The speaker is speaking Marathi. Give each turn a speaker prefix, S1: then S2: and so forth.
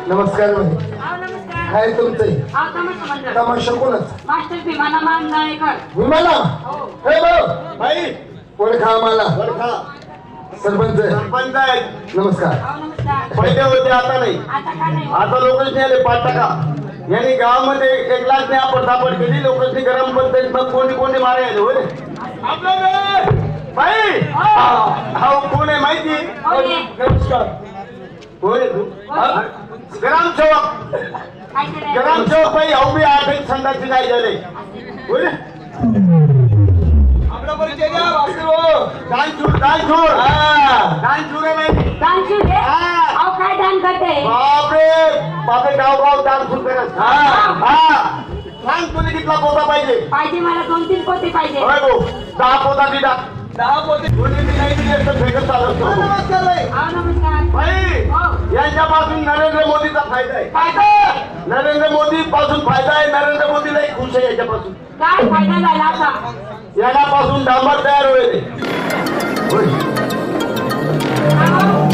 S1: नमस्कार भाई.
S2: अहो, नमस्कार.
S1: काय तुमचं
S2: अहो, तमाशा मंडळ.
S1: तमाशा कोणाच
S2: मास्टर विमाना मांजरेकर.
S1: विमाला
S2: हो.
S1: हे भाऊ
S3: भाई
S1: ओळखा आम्हाला
S3: बरखा
S1: सरपंच
S3: सरपंच आहेत.
S1: नमस्कार.
S2: अहो, नमस्कार.
S3: पहिले होते आता नाही.
S2: आता काय नाही.
S3: आता लोकांनी आले 5%. यांनी गावामध्ये 1 लाख ने आपण सापड केली. लोकांनी गरम पद्धत मग कोणी कोणी मारे आले होय आपलं भाई. हा कोण आहे माहिती?
S2: हो, ये.
S3: नमस्कार. कोण आहे तू? ग्रामसेवक.
S2: काय करायचं?
S3: ग्रामसेवक भाई अहो बी 8 संघाची नाही झाले होय रे? आपला परिचय द्या वासरू. दानशूर दानशूर दानशूर आहे माहिती?
S2: दानशूर रे? अहो, काय दान करते?
S3: बापरे बापरे गाव दानशूर करत. सांग तुला कितला पोता पाहिजे?
S2: पाहिजे मला 2-3 पोते पाहिजे.
S3: होय भाऊ 10 पोता दिला. 10 पोते कोणी बी नाही दिले तर फेकत चालत. नमस्कार भाई.
S2: अहो, नमस्कार.
S3: भाई
S2: हो.
S3: यांच्यापासून नरेंद्र मोदीचा फायदा आहे.
S2: फायदा?
S3: नरेंद्र मोदी पासून फायदा आहे. नरेंद्र मोदीलाही खुश आहे याच्यापासून.
S2: काय फायदा झाला आता?
S3: याच्यापासून डांबर तयार होईल.
S2: अहो,